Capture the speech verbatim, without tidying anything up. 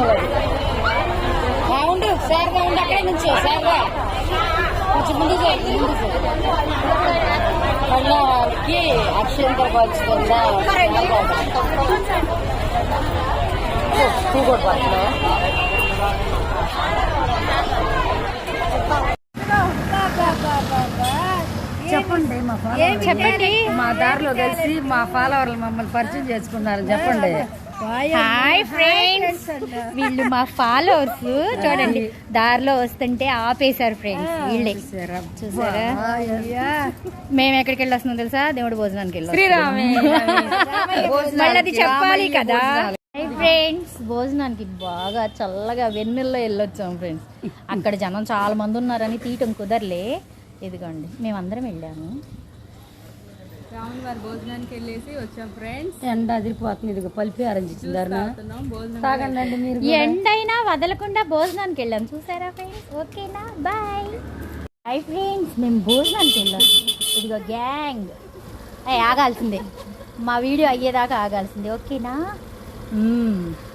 ఉండు సార్గా ఉండి అక్కడే నుంచి సార్గా కొంచెం ముందు చేయండి ముందు వాళ్ళకి అక్షయంతో పంచుతుందా కూడా పచ్చలో చెప్పండి మా చెప్పండి మా దారిలో కలిసి మా ఫాలోవర్లు మమ్మల్ని పరిచయం చేసుకున్నారు చెప్పండి. హాయ్ ఫ్రెండ్స్, వీళ్ళు మా ఫాలోవర్స్. చూడండి దారిలో వస్తుంటే ఆపేశారు ఫ్రెండ్స్. వీళ్ళే చూసారా? మేము ఎక్కడికి వెళ్ళి వస్తున్నాం తెలుసా? దేవుడు భోజనానికి వెళ్ళి మళ్ళీ అది చెప్పాలి కదా. ఫ్రెండ్స్ భోజనానికి బాగా చల్లగా వెన్నెల్లో వెళ్ళొచ్చాం ఫ్రెండ్స్. అక్కడ జనం చాలా మంది ఉన్నారని తీయటం కుదరలే. ఇదిగోండి మేమందరం వెళ్ళాము. రాముని వారి భోజనానికి వెళ్ళేసి వచ్చాం ఫ్రెండ్స్. ఎండ అదిరిపోతుంది. ఇది పలిపి ఆరంజించారు తాగండి మీరు. ఎండైనా వదలకుండా భోజనానికి వెళ్ళాం చూసారా ఫ్రెండ్స్? ఓకేనా? Bye bye friends. మేము భోజనానికి వెళ్ళాం. ఇదిగో గ్యాంగ్ ఆగాల్సిందే, మా వీడియో అయ్యేదాకా ఆగాల్సిందే. ఓకేనా?